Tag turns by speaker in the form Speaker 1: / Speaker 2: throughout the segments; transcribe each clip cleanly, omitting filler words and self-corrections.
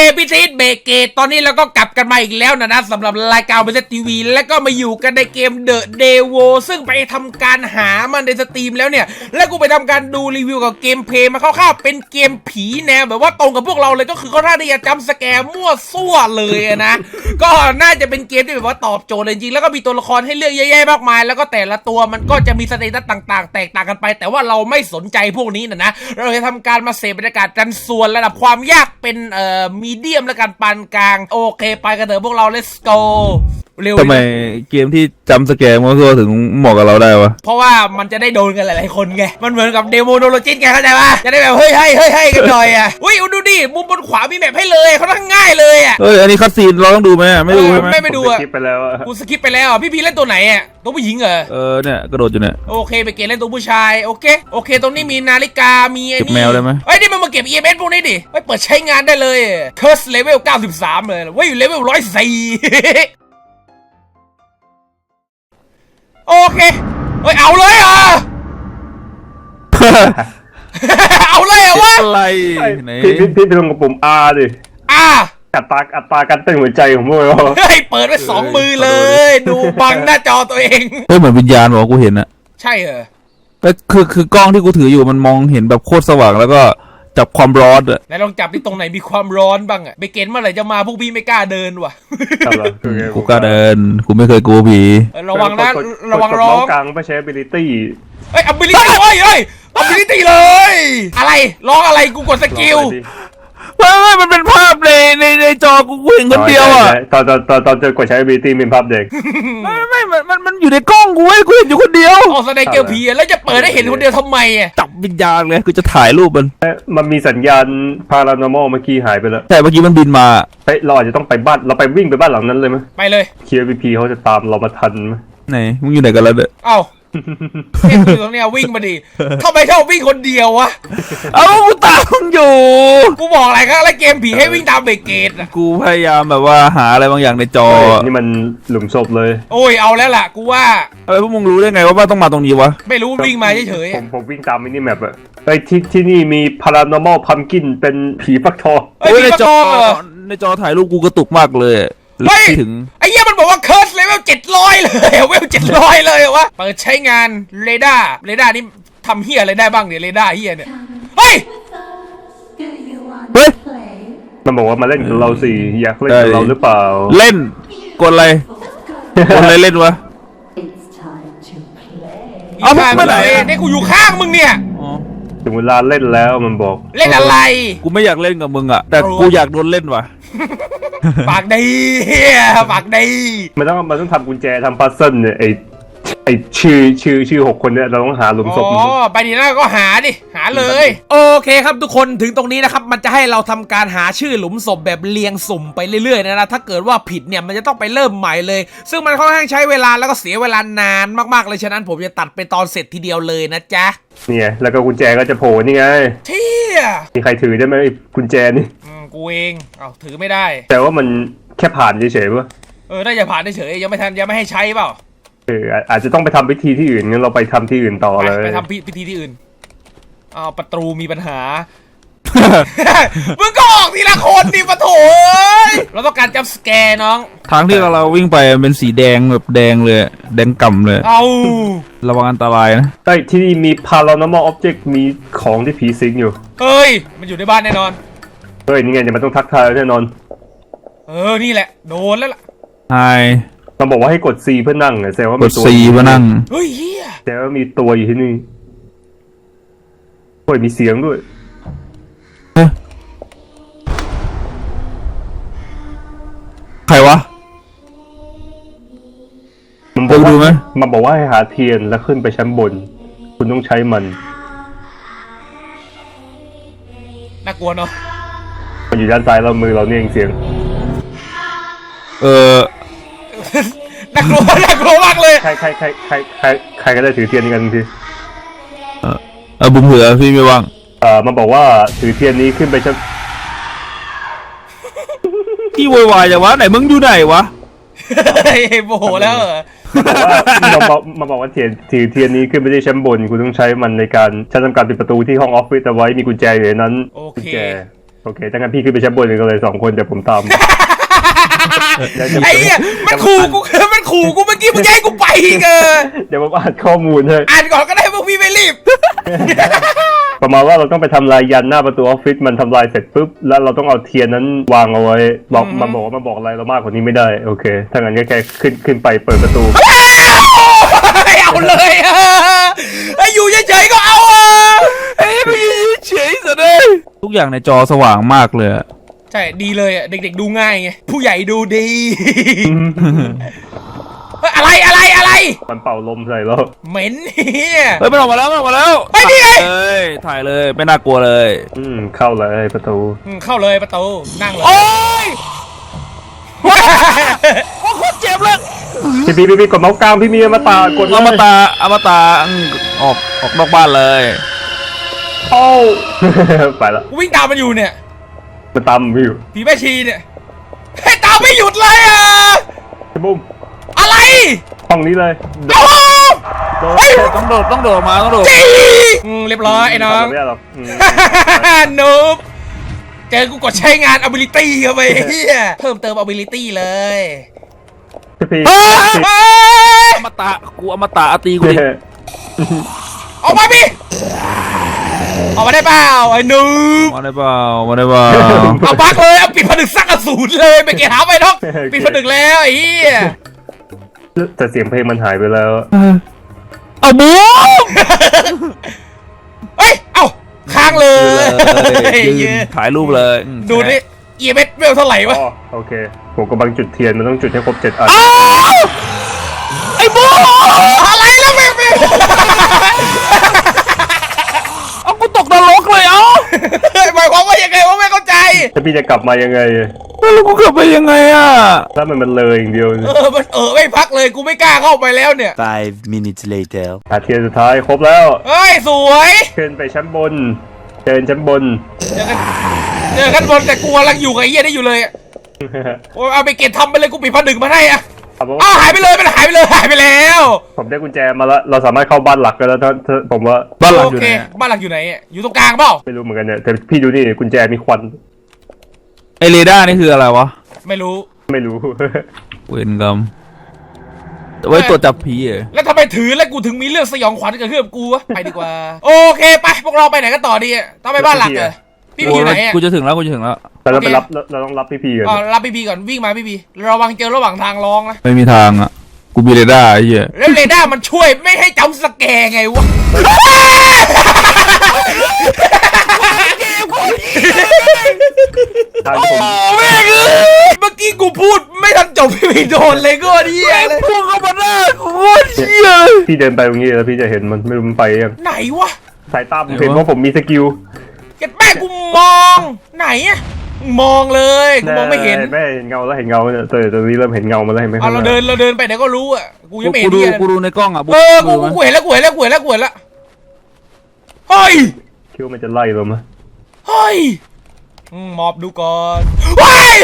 Speaker 1: พี่ซีดเบเกตตอนนี้เราก็กลับกันมาอีกแล้วนะสำหรับรายการเบสทีวีแล้วก็มาอยู่กันในเกม The Devo ซึ่งไปทำการหามันในสตรีมแล้วเนี่ยแล้วกูไปทำการดูรีวิวกับเกมเพลย์มาคร่าวๆเป็นเกมผีแนวแบบว่าตรงกับพวกเราเลยก็คือเขาท่าที่จะจำสแกร์มั่วซั่วเลยนะก็น่าจะเป็นเกมที่แบบว่าตอบโจทย์จริงๆแล้วก็มีตัวละครให้เลือกเยอะแยะมากมายแล้วก็แต่ละตัวมันก็จะมีสเตตัสต่างๆแตกต่างกันไปแต่ว่าเราไม่สนใจพวกนี้นะเราจะทำการมาเสพบรรยากาศกันส่วนระดับความยากเป็นมีเดียมและกันปานกลางโอเคไปกันเถอะพวกเรา let's go เร็ว
Speaker 2: ทำไมเกมที่จำสแกร์มั่วซั่วถึงเหมาะกับเราได้วะ
Speaker 1: เพราะว่ามันจะได้โดนกันหลายๆคนไงมันเหมือนกับเดโมโนโลจิสไงเข้าใจปะจะได้แบบเฮ้ยกันหน่อยอ่ะอุ้ยดูดิมุมบนขวามีแมปให้เลยเขาทั้งง่ายเลยอ่ะ
Speaker 2: เฮ้ยอันนี้คัตซีนเราต้องดูไหมไม่ดูใช่ไหม
Speaker 1: ไม่ดูอ่ะ
Speaker 3: สกิปไปแล้วอ่ะ
Speaker 1: กูสกิปไปแล้วพี่เล่นตัวไหนอ่ะตัวผู้หญิงเหรอ
Speaker 2: เนี่ยกระโดดอยู่เนี่ย
Speaker 1: โอเคไปเกมเล่นตัวผู้ชายโอเคตรงนี้มีนาฬิกามีไอ้นี่
Speaker 2: แมวได้ไหม
Speaker 1: เฮ้ยนี่มันมาเก็บ EMS พวกนี้ดิไปเปิดใช้งานได้เลย Curse Level 93เลยเว้ยเลเวล104โอเคเฮ้ยเอาเลยอ่ะ เอาเลยอ่ะวะ
Speaker 2: อะไรไหน
Speaker 3: พี่ลงกับปุ่ม R ดิอัตราการเต้นหัวใจของพวกเรา
Speaker 1: เฮ้ยเปิดไว้2 มือเลยดูบังหน้าจอตัวเอง
Speaker 2: เฮ้ยเหมือนวิญญาณบอกกูเห็นอะ
Speaker 1: ใช่เหรอ
Speaker 2: คือกล้องที่กูถืออยู่มันมองเห็นแบบโคตรสว่างแล้วก็จับความร้อนอะ
Speaker 1: ไหนลองจับที่ตรงไหนมีความร้อนบ้างอะไปเกณฑ์เมื่อไหร่จะมาพวกพี่ไม่กล้าเดินว่ะ
Speaker 2: กูกล้าเดินกูไม่เคยกลัวผี
Speaker 1: ระวังนะระวังร้อง
Speaker 3: กลางไม่ใช้ ability
Speaker 1: เฮ้ย ability เฮ้ย ability เลยอะไรร้องอะไรกูกดสกิล
Speaker 2: ไม่มันเป็นภาพในจอกูเห็นคนเดียวอ่ะ
Speaker 3: ตอนเจอกดใช้ ability เป็นภาพเด็ก
Speaker 2: ไม่มันอยู่ในกล้องกูเห็นอยู่คนเดียว
Speaker 1: อ๋อแสดงเกมผีแล้วจะเปิดให้เห็นคนเดียวทำไมอ่ะ
Speaker 2: จับวิญญาณเลยกูจะถ่ายรูป
Speaker 3: มันมีสัญญาณ paranormal เมื่อกี้หายไปแล้ว
Speaker 2: ใช่เมื่อกี้มันบินมา
Speaker 3: เฮ้ยเราอาจจะต้องไปบ้านเราไปวิ่งไปบ้านหลังนั้นเลยมั้ย
Speaker 1: ไปเลย
Speaker 3: KVP เขาจะตามเรามาทันมั้ย
Speaker 2: ไหนมึงอยู่ไหนกันแล้วเนี่ย
Speaker 1: เอ้าเอ็งอยู่ตรงเนี้ยวิ่งมาดิทำไมชอบวิ่งคนเดียววะ
Speaker 2: กูตามอยู่
Speaker 1: กูบอกอะไรครับแล้วเกมผีให้วิ่งตามเบเกตอ่ะ
Speaker 2: กูพยายามแบบว่าหาอะไรบางอย่างในจอ
Speaker 3: นี่มันหลุมศพเลย
Speaker 1: โอ้ยเอาแล้วล่ะกูว่า
Speaker 2: พวกมึงรู้ได้ไงว่าต้องมาตรงนี้วะ
Speaker 1: ไม่รู้วิ่งมาเฉย
Speaker 3: ๆผมวิ่งตามมินิแมปอะที่นี่มี paranormal pumpkin เป็นผีฟักทอง
Speaker 2: ในจอถ่ายรูปกูกระตุกมากเลย
Speaker 1: ถึงไอ้เหี้ยมันบอกว่าเคิร์สเลเวล700เลยเวล700เลยวะเปิดใช้งานเรดาร์นี่ทำเหี้ยอะไรได้บ้างเนี่ยเรดาร์เหี้ยเนี่ยเฮ้ย
Speaker 3: มันบอกว่ามาเล่นกับเราสิอยากเล่นกับเราหรือเปล่า
Speaker 2: เล่นกดอะไรเล่นวะ
Speaker 1: เอาไม่ไหนเนี่ยกูอยู่ข้างมึงเนี่ย
Speaker 3: ถึงเวลาเล่นแล้วมันบอก
Speaker 1: เล่นอะไร
Speaker 2: กูไม่อยากเล่นกับมึงอะแต่กูอยากโดนเล่นว่ะ
Speaker 1: ปากดี
Speaker 3: มันต้องทำกุญแจทำพัซเซิลเนี่ยไอชื่อ6 คนเนี่ยเราต้องหาหลุมศพ
Speaker 1: ไปดีนะก็หาเลยโอเคครับทุกคนถึงตรงนี้นะครับมันจะให้เราทำการหาชื่อหลุมศพแบบเรียงสุ่มไปเรื่อยๆนะถ้าเกิดว่าผิดเนี่ยมันจะต้องไปเริ่มใหม่เลยซึ่งมันค่อนข้างใช้เวลาแล้วก็เสียเวลานานมากๆเลยฉะนั้นผมจะตัดไปตอนเสร็จทีเดียวเลยนะจ๊ะ
Speaker 3: เนี่ยแล้วก็กุญแจก็จะโผล่นี่ไง
Speaker 1: เที่ย
Speaker 3: มีใครถือได้ไหมกุญแจนี่
Speaker 1: กูเองถือไม่ได้
Speaker 3: แต่ว่ามันแค่ผ่านเฉยๆป่ะ
Speaker 1: น่าจะผ่านเฉยยังไม่ให้ใช้เปล่า
Speaker 3: อาจจะต้องไปทำพิธีที่อื่นงั้นเราไปทำที่อื่นต่อเลย
Speaker 1: ไปทำพิธีที่อื่นประตูมีปัญหา มึงก็ออกทีละคนดิปะโถเราต้องการจับสแกร์น้อง
Speaker 2: ทางที่เราวิ่งไปเป็นสีแดงแบบแดงเลยแดงก่ำเลยระวังอันตรายนะ
Speaker 3: ใต้ที่นี่มี paranormal object มีของที่ผีสิงอยู่
Speaker 1: เฮ้ยมันอยู่ในบ้านแน่นอน
Speaker 3: เฮ้ยนี่ไงเดี๋ยวมันต้องทักทายแน่นอน
Speaker 1: นี่แหละโดนแล้วล่ะ
Speaker 2: ใช่
Speaker 3: มันบอกว่าให้กด C เพื่อนั่งแสดงว่า
Speaker 2: มีตัว C เพื่อนั่ง
Speaker 1: เฮ้ยเฮีย
Speaker 3: แสดงว่ามีตัวอยู่ที่นี่โอ้ยมีเสียงด้วย
Speaker 2: ใครวะ
Speaker 3: มันบอกดูไหมมันบอกว่าให้หาเทียนแล้วขึ้นไปชั้นบนคุณต้องใช้มัน
Speaker 1: น่ากลัวเนาะ
Speaker 3: มันอยู่ด้านซ้ายเรามือเราเนี่ยเองเสียง
Speaker 1: น่ากลัวมากเลย
Speaker 3: ใครก็ได้ถือเทียนกันที
Speaker 2: บุ้มเหือพี่ไม่ว่าง
Speaker 3: มันบอกว่าถือเทียนนี้ขึ้นไปชั้น
Speaker 2: ที่วายจังวะไหนมึงอยู่ไหนวะ
Speaker 1: โมโหแล้ว
Speaker 3: มาบอกว่าถือเทียนนี้ขึ้นไปที่ชั้นบนคุณต้องใช้มันในการทำการปิดประตูที่ห้องออฟฟิศเอาไว้มีกุญแจอยู่ในนั้น
Speaker 1: โอเค
Speaker 3: โอเคถ้างั้นพี่ขึ้นไปชั้นบนกันเลย2 คนเดี๋ยวผมตาม
Speaker 1: ไอ้เหี้ยมันขู่กูเมื่อกี้มึงแย่งกูไปอีก
Speaker 3: เดี๋ยวผมอ่านข้อมูลให้
Speaker 1: อ่านก่อนก็ได้พวกพี่ไม่รีบ
Speaker 3: ประมาณว่าเราต้องไปทำลายยันหน้าประตูออฟฟิศมันทำลายเสร็จปุ๊บแล้วเราต้องเอาเทียนนั้นวางเอาไว้บอกมันบอกอะไรเรามากกว่านี้ไม่ได้โอเคถ้างั้นก็แค่ขึ้นไปเปิดประตู
Speaker 1: เอาเลยไอ้อยู่เฉยๆก็เอา
Speaker 2: ไม่เฉยสุดเลยทุกอย่างในจอสว่างมากเลย
Speaker 1: ใช่ดีเลยเด็กๆดูง่ายไงผู้ใหญ่ดูดีอะไร
Speaker 3: มันเป่าลมใส่แล้ว
Speaker 1: เหม็นเฮีย
Speaker 2: เฮ้ยมันออกมาแล้ว
Speaker 1: ไอ้นี่ไง
Speaker 2: ถ่ายเลยไม่น่ากลัวเลย
Speaker 3: เข้าเลยประตู
Speaker 1: เข้าเลยประตูนั่งเลย
Speaker 2: โอ้ยโอ้โคตรเจ็บเลย
Speaker 3: พี่กดเมาส์กลางพี่มีอมตะกด
Speaker 2: อมตะออกนอกบ้านเลย
Speaker 3: โอ้ไปละ
Speaker 1: วิ่งตามมันอยู่เนี่ย
Speaker 3: มันตามไม่อยู่
Speaker 1: ผีแม่ชีเนี่ยให้ตามไม่หยุดเลย
Speaker 3: บุ้ม
Speaker 1: อะไร
Speaker 3: ห้องนี้เลย
Speaker 2: ต้องโดดมา
Speaker 1: เรียบร้อยไอ้น้องนูบเจอกูกดใช้งาน ability เข้าไปเฮียเพิ่มเติม ability เลย
Speaker 2: อมตะกูอมตะตีกูดิ
Speaker 1: ออกมาพี่ออกมาได้เปล่าไอ้นูบ
Speaker 2: มาได้เปล่า
Speaker 1: เอาบักเลยเอาปิดผนึกสักอสูรเลยไปเกะหาไปน้องปิดผนึกแล้วไอ้เหี้ย
Speaker 3: แต่เสียงเพลงมันหายไปแล้ว
Speaker 2: เอาบู
Speaker 1: เฮ้ยเอาค้างเลย
Speaker 2: ถ่ายรูปเลย
Speaker 1: ดูนี่EMSเวลเท่าไหร่วะ
Speaker 3: โอเคผมกำลังจุดเทียนมันต้องจุดให้ครบ7 อัน
Speaker 2: ไอ้บู
Speaker 1: อะไรแล้วแม่
Speaker 2: เอากูตกนรกเลย
Speaker 1: หมายความว่ายังไงวะไม่เข้าใจ
Speaker 3: ถ้าพี่จะกลับมายังไง
Speaker 2: แล้วกูกลับไปยังไง
Speaker 3: ถ้ามันเลยอย่างเดียว
Speaker 1: มันไม่พักเลยกูไม่กล้าเข้าไปแล้วเนี่ย
Speaker 4: 5 minutes later
Speaker 3: เทียนสุดท้ายครบแล้ว
Speaker 1: เฮ้ยสวย
Speaker 3: ขึ้นไปชั้นบนเดินชั้นบน
Speaker 1: เจอกันบนแต่กูกำลังอยู่กับไอ้เหี้ยได้อยู่เลยโอ้เอาไปเก็บทำไปเลยกูปิดผนึกมาให้หายไปเลยมันหายไปแล้ว
Speaker 3: ผมได้กุญแจมาแล้วเราสามารถเข้าบ้านหลักกันแล้วถ้าผมว่า
Speaker 2: บ้านหลักอยู่ไหน
Speaker 1: บ้านหลักอยู่ไหนอยู่ตรงกลางเปล่า
Speaker 3: ไม่รู้เหมือนกันเนี่ยแต่พี่ดูนี่กุญแจมีควัน
Speaker 2: ไอเรดาร์นี่คืออะไรวะ
Speaker 1: ไม่รู้
Speaker 2: เวรกรรมไว้ตรวจจับผี
Speaker 1: แล้วทำไมถือแล้วกูถึงมีเรื่องสยองขวัญเกิดขึ้นกับกูวะไปดีกว่าโอเคไปพวกเราไปไหนกันต่อดีต้องไปบ้านหลักเลยพี่อยู่ไหน
Speaker 2: กูจะถึงแล้ว
Speaker 3: แต่เราไปรับเราต้องรับพี่ก่อน
Speaker 1: รับพี่ก่อนวิ่งมาพี่ระวังเจอระหว่างทางร้องนะ
Speaker 2: ไม่มีทางกูมีเรดาร์ไอ้เหี้ย
Speaker 1: แล้วเรดาร์มันช่วยไม่ให้จำสแกร์ไงวะ
Speaker 2: โอ้แม่ง
Speaker 1: เมื่อกี้กูพูดไม่ทันจบพี่โดนเลยก็ดีเลย
Speaker 2: พูดเข้ามาหน้ากูเชี่ย
Speaker 3: พี่เดินไปตรงนี้แล้วพี่จะเห็นมันไม่รู้มันไปยัง
Speaker 1: ไหนวะ
Speaker 3: สายตาผมเห็นว่าผมมีสกิล
Speaker 1: เก็บแม่กูมองไหนมองเลยกูมองไม่เห็น
Speaker 3: แม่เห็นเงาแล้วเห็นเงาเนี่ยตอนนี้เริ่มเห็นเงามาแล้วเห็นไหม
Speaker 1: เราเดินไปเดี๋ยวก็รู้กูยังไม่เห็น
Speaker 2: กูดูในกล้อง
Speaker 1: กูเห็นแล้วเฮ้ย
Speaker 3: คิดว่ามันจะไล่เราไหม
Speaker 1: เฮ้ยมอบดูก่อนว้าย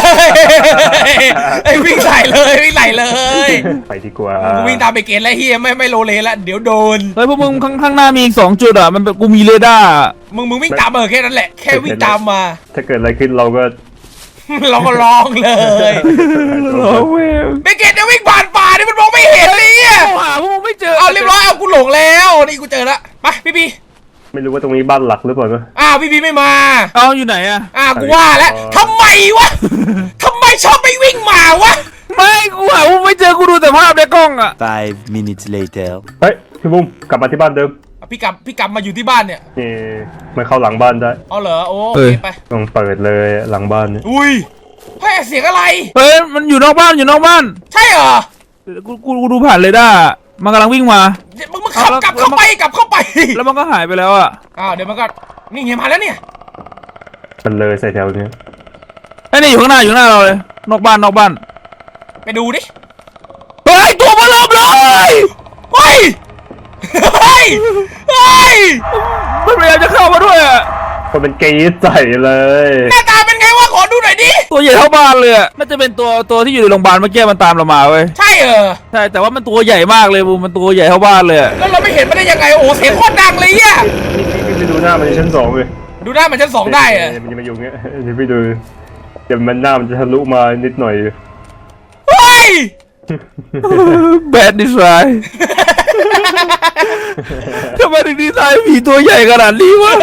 Speaker 1: ไอ้วิ่งใส่เลย
Speaker 3: ไปดีกว่า
Speaker 1: กูวิ่งตามไปเกณฑ์แล้วเฮียไม่โลเลละเดี๋ยวโดน
Speaker 2: เฮ้ยพวกมึงข้างหน้ามีอีก2 จุดมันกูมีเรดาร์
Speaker 1: มึงวิ่งตามแค่นั้นแหละแค่วิ่งตามมา
Speaker 3: ถ้าเกิดอะไรขึ้นเราก็
Speaker 1: ร้องเลยไปเกณฑ์จะวิ่งผ่านป่านี่มันมองไม่เห็นเลย
Speaker 2: หาพวกมึงไม่เจอ
Speaker 1: เอาเรียบร้อยเอากูหลงแล้วนี่กูเจอละไปพี่
Speaker 3: ไม่รู้ว่าตรงนี้บ้านหลักหรือเปล่า
Speaker 1: พี่ไม่มา
Speaker 2: อยู่ไหน
Speaker 1: กูว่าแล้วทำไมวะทำไมชอบไม่วิ่งมาวะ
Speaker 2: ไม่กูหาว่าไม่เจอกูดูแต่ภาพในกล้อง
Speaker 4: 5 minutes later
Speaker 3: เฮ้ยพี่บุ้มกลับมาที่บ้านเดิม
Speaker 1: พี่กลับมาอยู่ที่บ้านเนี่ย
Speaker 3: นี่ไม่เข้าหลังบ้านได้
Speaker 1: เหรอโอเคไป
Speaker 3: ต้องเปิดเลยหลังบ้านเนี่ย
Speaker 1: อุ้ยเฮ้ยเสียงอะไร
Speaker 2: มันอยู่นอกบ้าน
Speaker 1: ใช่เหรอ
Speaker 2: กูดูผ่านเลยด้มันกำลังวิ่งมา
Speaker 1: มึงกลับเข้าไป
Speaker 2: แล้วมันก็หายไปแล้ว
Speaker 1: เดี๋ยวมันก็นี่เงียบมาแล้วเนี่ย
Speaker 3: มันเลยใส่แถวนี้
Speaker 2: ไอ้นี่อยู่ข้างหน้าเราเลยนอกบ้าน
Speaker 1: ไปดูดิ
Speaker 2: เฮ้ยตัวมันลบเลย
Speaker 1: เฮ้ย
Speaker 2: มันพยายามจะเข้ามาด้วย
Speaker 3: มันเป็นเกย์ใส่เลย
Speaker 1: หน้าตาเป็นไงวะขอดูหน่อยดิ
Speaker 2: ตัวใหญ่เท่าบ้านเลยน่าจะเป็นตัวที่อยู่ในโรงพยาบาลเมื่อกี้มันตามเรามาเว้ย
Speaker 1: ใช่
Speaker 2: ใช่แต่ว่ามันตัวใหญ่มากเลยบูมันตัวใหญ่เท่าบ้านเลย
Speaker 1: แล้วเราไม่เห็นมันได้ยังไงโอ้เสียงโคตรดังเลย
Speaker 3: ไปดูหน้ามันชั้น2เลย
Speaker 1: ดูหน้ามันชั้นสองได้อะ
Speaker 3: มันจะมาอยู่เงี้ยเดี๋ยวไปดูเดี๋ยวมันหน้ามันจะทะลุมานิดหน่อย
Speaker 1: เฮ้ย
Speaker 2: แบดดีไซน์ทำไมถึงดีไซน์ผีตัวใหญ่ขนาดนี้วะ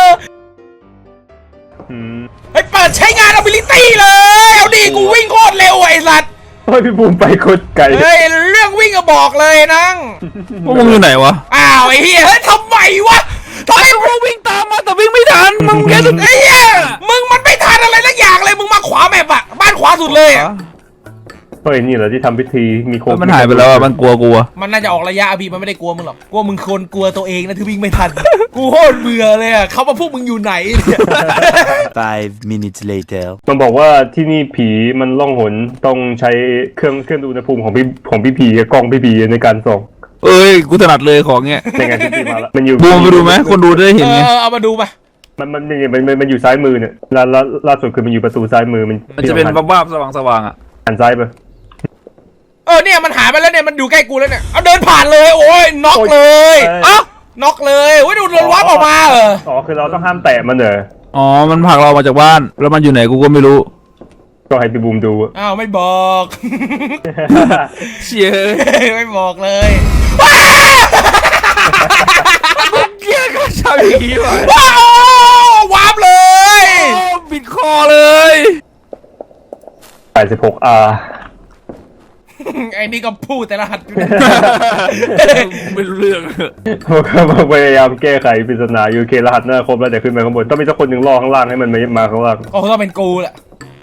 Speaker 1: ไอ้เปิดใช้งาน ability เลย เอาดิกูวิ่งโคตรเร็วไอ้สัตว์
Speaker 3: โอ้ยพี่บูมไปโคตรไกล
Speaker 1: เฮ้ยเรื่องวิ่งก็บอกเลยนัง
Speaker 2: พวกมึงอยู่ไหนวะ
Speaker 1: อ้าวไอ้เหี้ยเฮ้ยทำไมวะทำไม
Speaker 2: พวกวิ่งตามมาแต่วิ่งไม่ทันมึงแค่สุด
Speaker 1: ไอ้เหี้ยมึงมันไม่ทันอะไรสักอย่างเลยมึงมาขวาแมปอะบ้านขวาสุดเลยอะ
Speaker 3: เฮ้ยนี่เหรอที่ทำพิธีมีโค
Speaker 2: มันหายไปแล้วอะมันกลัว
Speaker 1: มันน่าจะออกระยะอะพี่มันไม่ได้กลัวมึงหรอกกลัวมึงคนกลัวตัวเองนะที่วิ่งไม่ทัน กูโคตรเบื่อเลยอะเขามาพวกมึงอยู่ไหนเนี่ย
Speaker 4: 5 minutes later.
Speaker 3: มันบอกว่าที่นี่ผีมันล่องหนต้องใช้เครื่องดูอุณหภูมิของพี่ผีกับกล้องพี่ผีในการส่อง
Speaker 2: เอ้ยกูถนัดเลยของเงี้ย
Speaker 3: ในงานพิธีมาแล้วมันอยู่
Speaker 2: บูมไปดูไหมคนดูได้เห็นไง
Speaker 1: เอามาดูไป
Speaker 3: มันอยู่ซ้ายมือเนี่ยล่าสุดคือมันอยู่ประตูซ้ายมือมัน
Speaker 2: มันจะเป็นบ้าๆสว่างๆอ่ะ
Speaker 3: หันซ้ายไป
Speaker 1: เนี่ยมันหายไปแล้วเนี่ยมันอยู่ใกล้กูแล้วเนี่ยเอาเดินผ่านเลยโอ้ยน็อกเลยเอ้าน็อกเลยโอ้ยดูโดนวับออกมาเหรอ
Speaker 3: อ๋อคือเราต้องห้ามแตะมันเหรอ
Speaker 2: อ๋อมันผลักเรามาจากบ้านแล้วมันอยู่ไหนกูก็ไม่รู้
Speaker 3: ก็ให้พี่บูมดูอะ
Speaker 1: อ้าวไม่บอก
Speaker 2: เชี่ย
Speaker 1: ไม่บอกเลย
Speaker 2: เกี้ยก็ชาวอย่างนี้วะ
Speaker 1: ว้าววับเลย
Speaker 2: บิดคอเลย
Speaker 3: 86R
Speaker 1: ไอ้นี่ก็พูดแต่ละหัดอยู่
Speaker 2: ไม่รู้เรื่อง
Speaker 3: ผมก็พยายามแก้ไขปริศนาอยู่โอเครหัสหน้าครบแล้วเดี๋ยวขึ้นไปข้างบนต้องมีสักคนหนึ่งล่อข้างล่างให้มันมาข้างล่าง
Speaker 1: ก็ต้องเป็นกูแหละ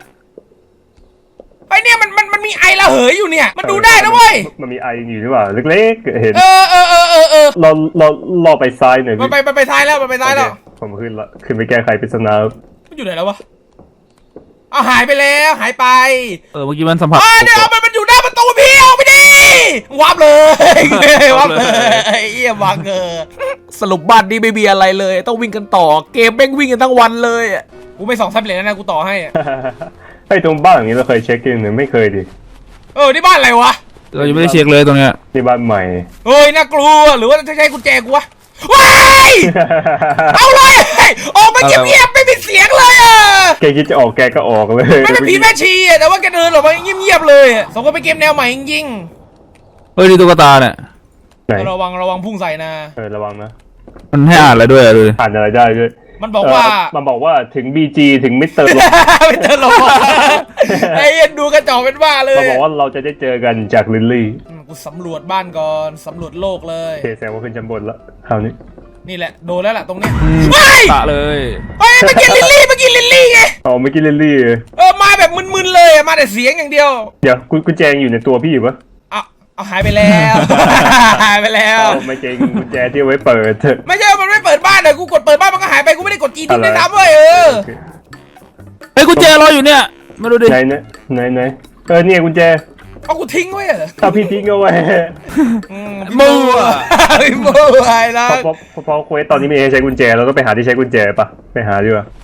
Speaker 1: ไอ้เนี่ยมันมีไอระเหยอยู่เนี่ยมันดูได้นะเว้ย
Speaker 3: มันมีไออยู่นี่หว่าเล็กๆเห็น
Speaker 1: เออ
Speaker 3: เราล่อไปซ้ายหน่อย
Speaker 1: มันไปท้ายแล้วมันไปท้ายแล้ว
Speaker 3: โอเคผมขึ้นละขึ้นไปแก้ไขปริศนา
Speaker 1: มันอยู่ไหนแล้ววะเอาหายไปแล้วหายไป
Speaker 2: เมื่อกี้มันสัมผัส
Speaker 1: เนี่ยมันอยู่หน้าประตูพี่เอาไปดิวับเลยวับเลยเอี้ยวังสรุปบ้านนี้ไม่มีอะไรเลยต้องวิ่งกันต่อเกมแม่งวิ่งกันทั้งวันเลยกูไม่2 3 เหรียญแล้วนะกูต่อให้
Speaker 3: ไอ้ตรงบ้านอย่างนี้เราเคยเช็คกันหรือไม่เคยดิ
Speaker 1: นี่บ้านอะไรวะ
Speaker 2: เรายังไม่ได้เช็คเลยตรงเนี้ย
Speaker 3: นี่บ้านใหม่
Speaker 1: เฮ้ยน่ากลัวหรือว่าจะใช้กุญแจกูวะว้ายเอาเลยออกมาเงียบๆไม่มีเสียงเลยอ่ะ
Speaker 3: แกคิดจะออกแกก็ออกเลย
Speaker 1: ไม่เป็นผีแม่ชีอ่ะแต่ว่าแกเดินออกมาเงียบๆเลยสมก็เป็นเกมแนวใหม่จริง
Speaker 2: เฮ้ยนี่ตุ๊กตาเนี่ย
Speaker 3: ไหน
Speaker 1: ๆระวังพุ่งใส่นะ
Speaker 3: ระวังนะ
Speaker 2: มันให้อ่านอะไรด้วยอะดูดิ
Speaker 3: อ่านอะไรได้ด้วย
Speaker 1: มันบอกว่า
Speaker 3: มันบอกว่าถึง BG ถึงมิสเตอร์
Speaker 1: ไม่เจอหรอกไอ้เอ็นดูกระจอกเป็นบ้าเลย
Speaker 3: มันบอกว่าเราจะได้เจอกันจากลิลลี่
Speaker 1: กูสำรวจบ้านก่อนสำรวจโลกเลย
Speaker 3: โอเคแสดงว่าขึ้นชั้นบนละคราวนี้
Speaker 1: นี่แหละโดนแล้วล่ะตรงนี้
Speaker 2: ตะเลย
Speaker 1: เฮ้ยเมื่อกี้ลิลลี่ไง
Speaker 3: อ๋อเมื่อกี้ลิลลี่
Speaker 1: มาแบบมึนๆเลยมาแต่เสียงอย่างเดียว
Speaker 3: เดี๋ยวกุญแจอยู่ในตัวพี่อยู่ปะ
Speaker 1: เอาหายไปแล้ว หายไปแล้ว
Speaker 3: ไม่จริงกุญแจที่เอาไว้เปิด
Speaker 1: ไม่ใช่มันไม่เปิดบ้านเลยกูกดเปิดบ้านมันก็หายไปกูไม่ได้กดจีทิ้งได้ทำเว้ย
Speaker 3: โอเค
Speaker 2: เฮ้ยกุญแจรออยู่เนี่ยมาดูดิ
Speaker 3: ไหนเนี่ยกุญแจ
Speaker 1: เอากูทิ้งไว้เหรอ
Speaker 3: ถ้าพี่ทิ้งเอาไว้
Speaker 2: มั่ว
Speaker 1: พี่มั่วไอ้ละ
Speaker 3: เพราะเควสตอนนี้มีให้ใช้กุญแจเราต้องไปหาที่ใช้กุญแจปะไปหาดีกว่า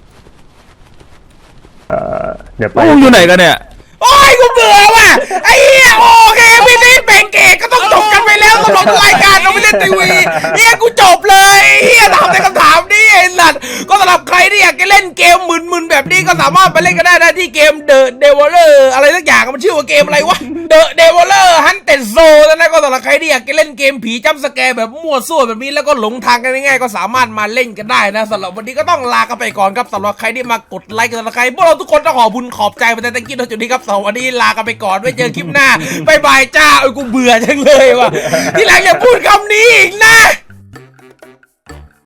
Speaker 3: เดี๋ยวไป
Speaker 2: พวกมึงอยู่ไหนกันเนี่ย
Speaker 1: โอ้ยกูเบื่อว่ะไอ้เหี้ยโอเคพี่นี่แบ่งเกตก็ต้องจบกันไปแล้วสำหรับรายการเราไม่เล่นทีวีเฮียกูจบเลยเฮียถามในคำถามนี่ไอ้สัตว์ก็สำหรับใครที่อยากจะเล่นเกมมึนๆแบบนี้ก็สามารถไปเล่นกันได้นะที่เกม The Devoler อะไรสักอย่างมันชื่อว่าเกมอะไรวะ The Devoler Hunted Zone นะก็สำหรับใครที่อยากจะเล่นเกมผีจัมป์สแกร์แบบมั่วซั่วแบบนี้แล้วก็หลงทางกันง่ายๆก็สามารถมาเล่นกันได้นะสำหรับวันนี้ก็ต้องลากันไปก่อนครับสำหรับใครที่มากดไลค์กันสำหรับใครพวกเราทุกคนต้องขอบคุณขอบใจมาแต่ตะกี้จุดนี้ครับสำหรับวันนี้ลากันไปก่อนไว้เจอคลิปหน้าบายบายจ้ากูเบื่อจังเลยว่ะที่หลังอย่าพูดคำนี้อีกนะ